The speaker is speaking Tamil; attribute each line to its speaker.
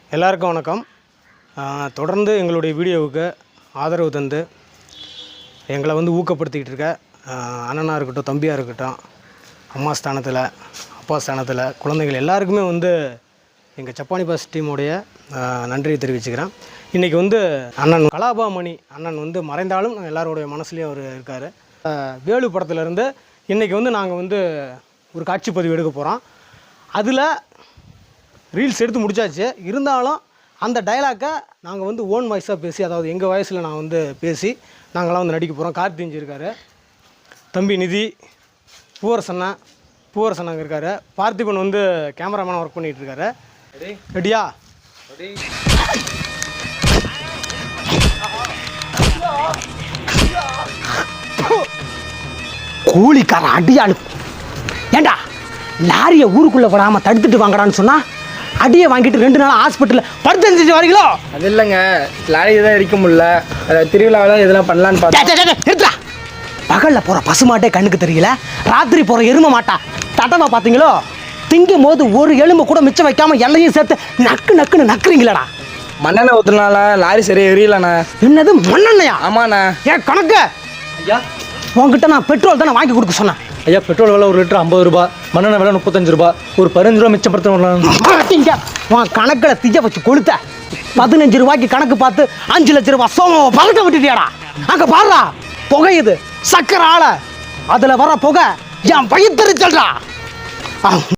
Speaker 1: எல்லாருக்கும் வணக்கம். தொடர்ந்து எங்களுடைய வீடியோவுக்கு ஆதரவு தந்து எங்களை ஊக்கப்படுத்திக்கிட்டு இருக்க அண்ணனாக இருக்கட்டும், தம்பியாக இருக்கட்டும், அம்மா ஸ்தானத்தில், அப்பா ஸ்தானத்தில், குழந்தைகள் எல்லாருக்குமே எங்கள் சப்பானி பாஸ் டீமுடைய நன்றியை தெரிவிச்சுக்கிறேன். இன்றைக்கி அண்ணன் கலாபாமணி அண்ணன் மறைந்தாலும் எல்லாருடைய மனசுலேயும் அவர் இருக்கார். வேலு படத்துலேருந்து இன்றைக்கி நாங்கள் ஒரு காட்சி பதிவு எடுக்க போகிறோம். அதில் ரீல்ஸ் எடுத்து முடிச்சாச்சு. இருந்தாலும் அந்த டைலாக்கை நாங்கள் ஓன் வாய்ஸாக பேசி, அதாவது எங்கள் வாய்ஸில் நான் பேசி நாங்களாம் நடிக்க போகிறோம். கார்த்திஞ்சி இருக்கார், தம்பி நிதி, பூவரசன் அங்கே இருக்கார், பார்த்திபன் கேமராமேனாக ஒர்க் பண்ணிகிட்டு இருக்காரு. ரெடியா?
Speaker 2: கூலிக்கார அடியாளு, ஏண்டா லாரியை ஊருக்குள்ளே விடாமல் தடுத்துட்டு வாங்கடான்னு சொன்னால் அடியை வாங்கிட்டு 2 நாள் ஹாஸ்பிட்டலில் படுத்து வரீங்களோ?
Speaker 3: அது இல்லைங்க, லாரி தான் இருக்க முடியல, திருவிழாவில் இதெல்லாம் பண்ணலான்னு பார்த்தா.
Speaker 2: பகலில் போகிற பசுமாட்டே கண்ணுக்கு தெரியல, ராத்திரி போகிற எருமை மாட்டா தட்டமா பார்த்தீங்களோ? திங்கும் போது ஒரு எலும்பு கூட மிச்சம் வைக்காமல் எல்லையும் சேர்த்து நக்குன்னு நக்குறீங்களாடா.
Speaker 3: மண்ணெண்ணெய் ஊற்றுனால லாரி சரியாக எரியலண்ணா.
Speaker 2: என்னது மண்ணெண்ணையா?
Speaker 3: ஆமாண்ணா.
Speaker 2: ஏன் கணக்கு ஐயா, உங்ககிட்ட நான் பெட்ரோல் தானே வாங்கி கொடுக்க சொன்னேன்.
Speaker 4: ஐயா, பெட்ரோல் விலை 1 லிட்டர் 50 ரூபா, மண்ணெண்ணெய் விலை 35 ரூபா, ஒரு 15 ரூபா மிச்சப்படுத்த.
Speaker 2: உன் கணக்கில் திஜ வச்சு கொளுத்த 15 ரூபாய்க்கு கணக்கு பார்த்து 5 லட்சம் ரூபாய் சோம பறக்க விட்டுட்டியாடா. அங்கே பாடுறா, புகையுது சக்கரை ஆலை, அதில் வர புகை என் வயிற்றுச்சல்டா.